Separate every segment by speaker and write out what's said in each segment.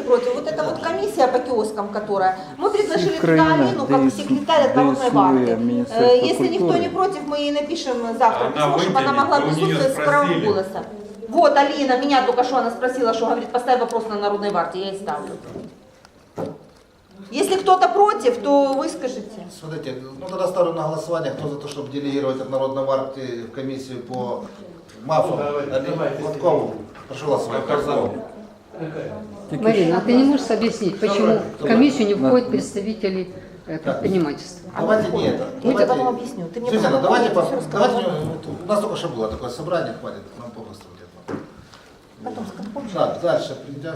Speaker 1: против. Вот эта вот комиссия по киоскам, которая, мы предложили туда Алину как секретарь от Народной партии. Если никто не против, мы ей напишем завтра письмо, чтобы она могла присутствовать с правом голоса. Вот Алина, меня только что она спросила, что говорит, поставь вопрос на Народной партии, я ей ставлю. Если кто-то против, то выскажите.
Speaker 2: Смотрите, ну тогда ставлю на голосование, кто за то, чтобы делегировать от Народной партии в комиссию по МАФу, Гладкову. Прошу голосовать.
Speaker 3: Марина, а ты не можешь объяснить, почему в комиссию не входят представители предпринимательства?
Speaker 2: Давайте не это.
Speaker 1: Я тебе потом объясню. Ты мне
Speaker 2: Сюзанна,
Speaker 1: потом
Speaker 2: давайте,
Speaker 1: всё рассказала.
Speaker 2: у нас только что было такое собрание, хватит, нам попросту где-то.
Speaker 1: Потом скажу.
Speaker 2: Так, дальше прийдя.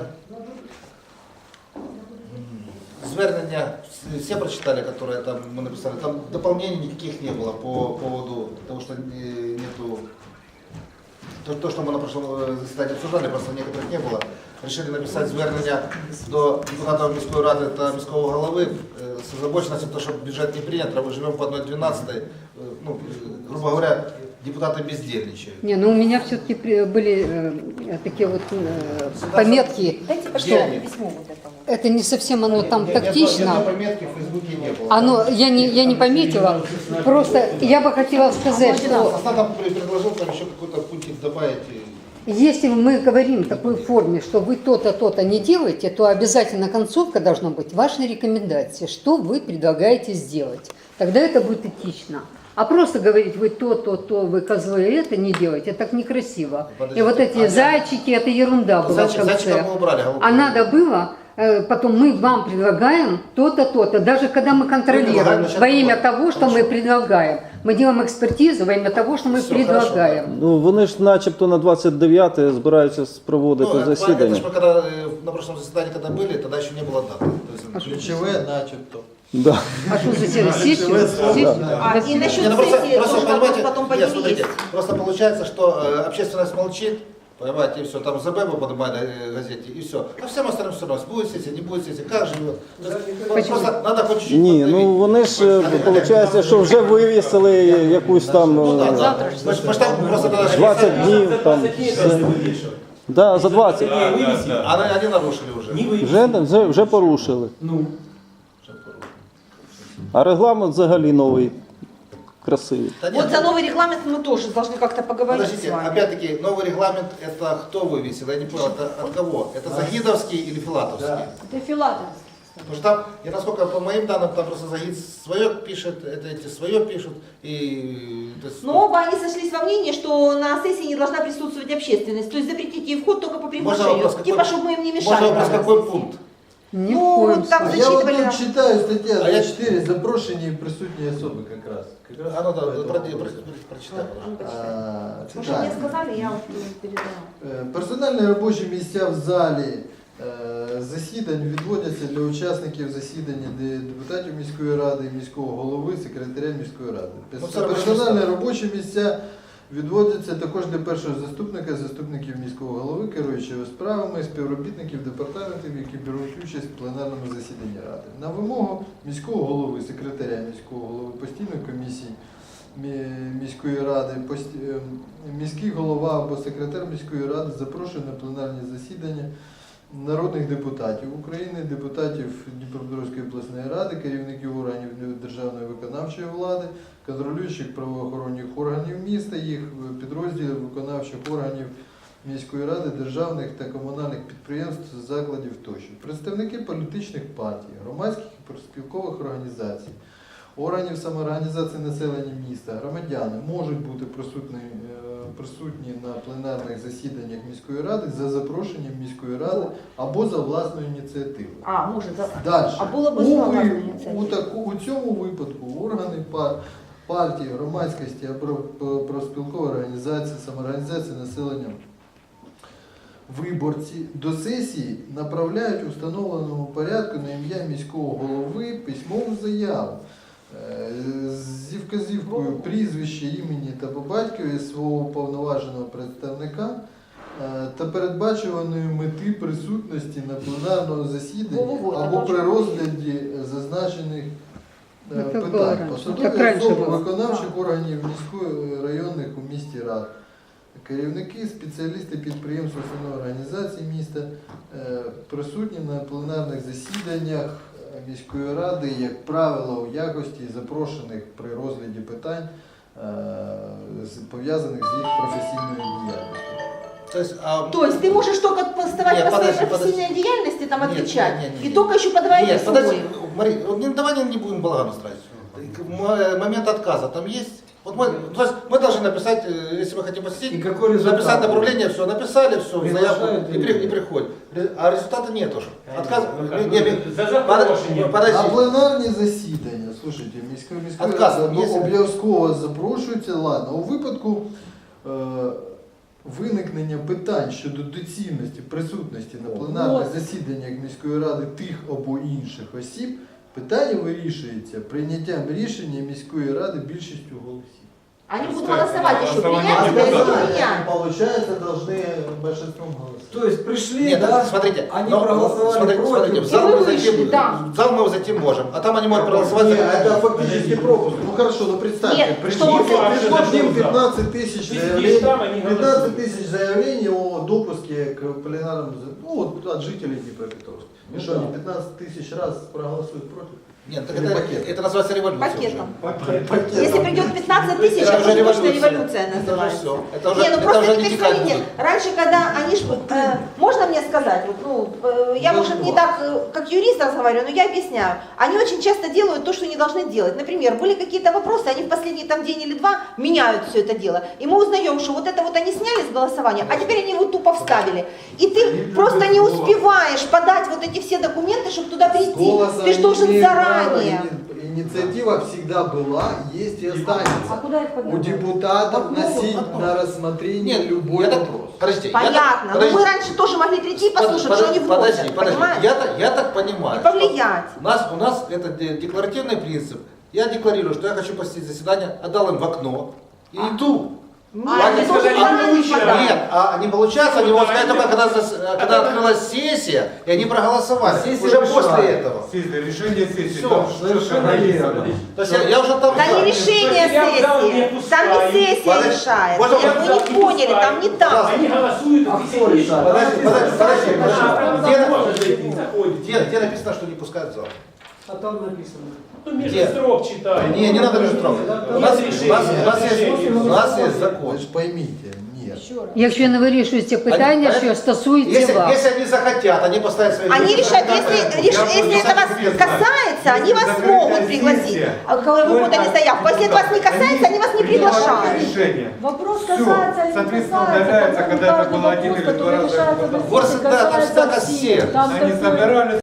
Speaker 2: Звернення, все прочитали, которые там мы написали, там дополнений никаких не было по поводу того, что нету, то, что мы на прошлом заседании обсуждали, просто некоторых не было. Решили написать звернення до депутатів міської ради та міського голови з озабоченістю, тому що бюджет не прийнят, а ми живемо по 1/12, ну, грубо говоря, депутаты бездельничают.
Speaker 3: Не, ну у меня все-таки были такие вот пометки,
Speaker 1: Дайте,
Speaker 3: что
Speaker 1: пожалуйста, письмо вот это вот.
Speaker 3: это не совсем оно там тактично.
Speaker 2: Ни одной пометки в Фейсбуке не было.
Speaker 3: Оно, я не пометила, просто я бы хотела сказать, что
Speaker 2: Состав там предложил там еще какой-то пунктик добавить.
Speaker 3: если мы говорим в такой форме, что вы то-то, то-то не делаете, то обязательно концовка должна быть вашей рекомендации, что вы предлагаете сделать. Тогда это будет этично. А просто говорить, вы то, вы козлы, это не делаете, так некрасиво.
Speaker 2: Подождите,
Speaker 3: И вот эти зайчики, это ерунда была в конце.
Speaker 2: Зайчика мы убрали,
Speaker 3: А надо было, потом мы вам предлагаем то-то, то-то. Даже когда мы контролируем во имя того, что мы предлагаем. Мы делаем экспертизу во имя того, что мы предлагаем.
Speaker 4: Ну, вони ж начебто на 29-те збираються проводити засідання.
Speaker 2: Это ж мы когда на прошлом заседании когда были, тогда еще не было даты. То есть,
Speaker 5: Ключеве начебто.
Speaker 4: Да.
Speaker 3: А что за сессию?
Speaker 1: И насчет
Speaker 2: Не, ну
Speaker 1: сессии
Speaker 2: просто
Speaker 1: тоже
Speaker 2: понимаете,
Speaker 1: потом по
Speaker 2: нет,
Speaker 1: ней
Speaker 2: смотрите,
Speaker 1: есть.
Speaker 2: просто получается, что общественность молчит, понимаете, и все, там ЗБ поднимают в газете, и все. А всем остальным все равно, будет сессия, не будет сессии, как живет. То есть, просто надо хоть чуть-чуть
Speaker 4: Ні,
Speaker 2: подавить.
Speaker 4: ну вони ж, виходить, що вже вивісили якусь там
Speaker 2: Ну да, да. Мы ж там просто тогда
Speaker 4: 20 днів, там, да, за 20.
Speaker 2: Они нарушили уже.
Speaker 4: Вже порушили. А регламент взагалі новий, красивий.
Speaker 2: Да нет,
Speaker 1: Вот за новый регламент мы тоже должны как-то поговорить с
Speaker 2: подождите,
Speaker 1: вами.
Speaker 2: опять-таки, новый регламент, это кто вывесил? Я не понял, это от кого? Это Загидовский или Филатовский?
Speaker 1: Это Филатов.
Speaker 2: Потому что там, я насколько по моим данным, там просто Загид свое пишет, это эти свое пишут, и... То есть,
Speaker 1: Но оба они сошлись во мнении, что на сессии не должна присутствовать общественность. То есть запретить ей вход только по приглашению.
Speaker 2: вопрос какой?
Speaker 1: Типа, чтобы мы им не мешали.
Speaker 2: можно вопрос, какой пункт?
Speaker 3: Ни в
Speaker 1: Ну,
Speaker 3: коем
Speaker 1: вот так
Speaker 3: случае.
Speaker 5: Я вот
Speaker 1: зачитывали.
Speaker 5: тут читаю стаття
Speaker 2: А я-
Speaker 5: 4, запрошені і присутні особи якраз.
Speaker 2: А ну да, прочитай.
Speaker 1: Потому что мне сказали, я вот передала.
Speaker 5: Персональні робочі місця в залі засідань відводяться для учасників засідання депутатів міської ради, міського голови, секретаря міської ради.
Speaker 2: Ну, це робочі
Speaker 5: Персональні
Speaker 2: місця.
Speaker 5: робочі місця відводяться також для першого заступника, заступників міського голови, керуючого справами, співробітників департаментів, які беруть участь в пленарному засіданні ради. На вимогу міського голови, секретаря міського голови, постійної комісії міської ради, міський голова або секретар міської ради запрошує на пленарні засідання народних депутатів України, депутатів Дніпропетровської обласної ради, керівників органів державної виконавчої влади, контролюючих правоохоронних органів міста, їх підрозділів виконавчих органів міської ради, державних та комунальних підприємств, закладів тощо. Представники політичних партій, громадських і профспілкових організацій, органів самоорганізації населення міста, громадяни можуть бути присутні на пленарних засіданнях міської ради за запрошенням міської ради або за власною ініціативою.
Speaker 1: А, может, да.
Speaker 5: Далі.
Speaker 1: А було б знову ініціатива.
Speaker 5: У цьому випадку органи партії, громадськості або профспілкової організації, самоорганізації населення виборці до сесії направляють у встановленому порядку на ім'я міського голови письмову заяву зі вказівкою прізвища, імені та по батькові свого повноваженого представника та передбачуваної мети присутності на пленарному засіданні або при розгляді зазначених питань. Посадові особи виконавчих органів міської районних у місті рад. Керівники, спеціалісти підприємств, установ організацій міста присутні на пленарних засіданнях міської ради, як правило, у якості запрошених при розгляді питань, пов'язаних з їх професійною діяльністю.
Speaker 1: То есть ты можешь только поставать
Speaker 2: Нет,
Speaker 1: по своей
Speaker 2: подожди,
Speaker 1: профессиональной деятельности, там
Speaker 2: Нет,
Speaker 1: отвечать,
Speaker 2: нет,
Speaker 1: и только еще подавая
Speaker 2: Нет, подожди,
Speaker 1: свой.
Speaker 2: Мария, вот давай не будем балаган устраивать. Момент отказа там есть? Вот то есть мы должны написать, если мы хотим посетить,
Speaker 6: И какой результат?
Speaker 2: написать направление, все, написали, все, заявку
Speaker 6: Приглашают
Speaker 2: и приходят. А результата нет уже. Отказ,
Speaker 6: запрошення.
Speaker 2: подожди.
Speaker 5: На пленарні засідання, слушайте, міської
Speaker 2: Отказ
Speaker 5: ради
Speaker 2: є?
Speaker 5: обов'язково запрошується. Ладно, у випадку виникнення питань щодо доцільності присутності на пленарних засіданнях міської ради тих або інших осіб, питання вирішується прийняттям рішення міської ради більшістю голосів.
Speaker 1: Они будут голосовать еще,
Speaker 7: голосование
Speaker 1: принять
Speaker 7: не
Speaker 1: это или
Speaker 7: будет.
Speaker 1: не принять.
Speaker 5: Получается, должны большинством голосов.
Speaker 6: То есть пришли,
Speaker 2: Нет,
Speaker 6: да,
Speaker 2: смотрите,
Speaker 6: они
Speaker 2: но,
Speaker 6: проголосовали
Speaker 2: смотрите,
Speaker 6: против.
Speaker 2: в зал
Speaker 1: И
Speaker 2: мы
Speaker 1: вы
Speaker 2: зайти,
Speaker 1: вышли, да.
Speaker 2: в зал мы зайти можем, а там они могут проголосовать
Speaker 5: Не,
Speaker 2: за
Speaker 5: это фактически пропуск. Ну хорошо, ну представьте,
Speaker 1: Нет,
Speaker 5: пришли,
Speaker 1: что вы-
Speaker 5: пришли 15 тысяч
Speaker 7: Сидишь
Speaker 5: заявлений,
Speaker 7: там, они
Speaker 5: 15 тысяч заявлений о допуске к пленарному, ну вот от жителей Днепропетровска. И что, они 15 тысяч раз проголосуют против?
Speaker 2: Нет, так
Speaker 5: Или
Speaker 2: это,
Speaker 5: пакетом?
Speaker 2: это называется революция.
Speaker 1: Пакетом. Если придет 15 тысяч,
Speaker 2: Это
Speaker 1: это
Speaker 2: уже
Speaker 1: уже точно
Speaker 2: революция.
Speaker 1: революция
Speaker 2: Это уже
Speaker 1: называется.
Speaker 2: все. Это уже,
Speaker 1: Не, ну
Speaker 2: это
Speaker 1: просто
Speaker 2: уже
Speaker 1: теперь
Speaker 2: не текать
Speaker 1: смотрите,
Speaker 2: будет.
Speaker 1: раньше, когда они ж, можно мне сказать, вот, ну, я, может, не так, как юрист разговариваю, но я объясняю. Они очень часто делают то, что не должны делать. Например, были какие-то вопросы, они в последний там день или два меняют все это дело. И мы узнаем, что вот это вот они сняли с голосования, а теперь они его тупо вставили. И ты просто не успеваешь подать вот эти все документы, чтобы туда прийти.
Speaker 5: Голоса
Speaker 1: Ты же должен
Speaker 5: имеют право,
Speaker 1: заранее.
Speaker 5: Инициатива всегда была, есть и останется.
Speaker 3: куда их
Speaker 5: У депутатов носить на рассмотрение
Speaker 2: Нет,
Speaker 5: любой
Speaker 2: я так-
Speaker 5: вопрос.
Speaker 2: Подожди,
Speaker 1: Понятно. Но мы раньше тоже могли прийти и послушать, что они вносят.
Speaker 2: Подожди,
Speaker 1: Понимаешь?
Speaker 2: я так понимаю.
Speaker 1: И повлиять.
Speaker 2: У нас это декларативный принцип. Я декларирую, что я хочу посетить заседание, отдал им в окно и иду.
Speaker 1: Нет,
Speaker 2: Они
Speaker 1: ты
Speaker 2: сказали,
Speaker 1: должен заранее подать.
Speaker 2: Нет, а не получается, они могут сказать только когда открылась сессия, и они проголосовали.
Speaker 6: Сессия
Speaker 2: Уже
Speaker 6: пришла.
Speaker 2: после этого.
Speaker 7: Решение сессии.
Speaker 2: Всё,
Speaker 7: там
Speaker 6: совершенно верно.
Speaker 2: То есть я уже там...
Speaker 1: Да не решение
Speaker 7: Я в зал не
Speaker 1: сессии. Там не
Speaker 7: пускаю.
Speaker 1: сессия
Speaker 2: Подожди,
Speaker 1: решает.
Speaker 2: можно
Speaker 1: Вы не поняли, там не так.
Speaker 7: Они голосуют,
Speaker 6: А
Speaker 7: и
Speaker 6: кто
Speaker 7: сидишь.
Speaker 6: решает?
Speaker 2: Подожди.
Speaker 7: Можно зайти, заходите.
Speaker 2: Где написано, что не пускают в зал?
Speaker 6: А там написано.
Speaker 7: Ну, между
Speaker 2: Где?
Speaker 7: строк читай.
Speaker 2: Не надо между строк. У нас есть закон.
Speaker 5: Ви ж поймите, нет.
Speaker 3: Якщо не вирішуються питання, що стосуються вас.
Speaker 2: Если они захотят, они поставят свои...
Speaker 1: Они решают, если это вас касается, они вас могут пригласить. А когда вы подали заявку. Если это вас не касается, они вас не приглашают.
Speaker 7: Решение.
Speaker 8: Вопрос
Speaker 7: Всё.
Speaker 8: касается или не
Speaker 7: Соответственно,
Speaker 8: касается,
Speaker 7: удаляется,
Speaker 8: по-моему,
Speaker 7: когда это
Speaker 8: каждый
Speaker 7: было один
Speaker 8: вопрос,
Speaker 7: или два
Speaker 8: который
Speaker 7: раза.
Speaker 8: решается на
Speaker 2: Вот
Speaker 8: сессии,
Speaker 2: всегда, там всегда
Speaker 8: касается
Speaker 2: кассир.
Speaker 8: всех. Там
Speaker 7: Они
Speaker 8: такой-
Speaker 7: собирались.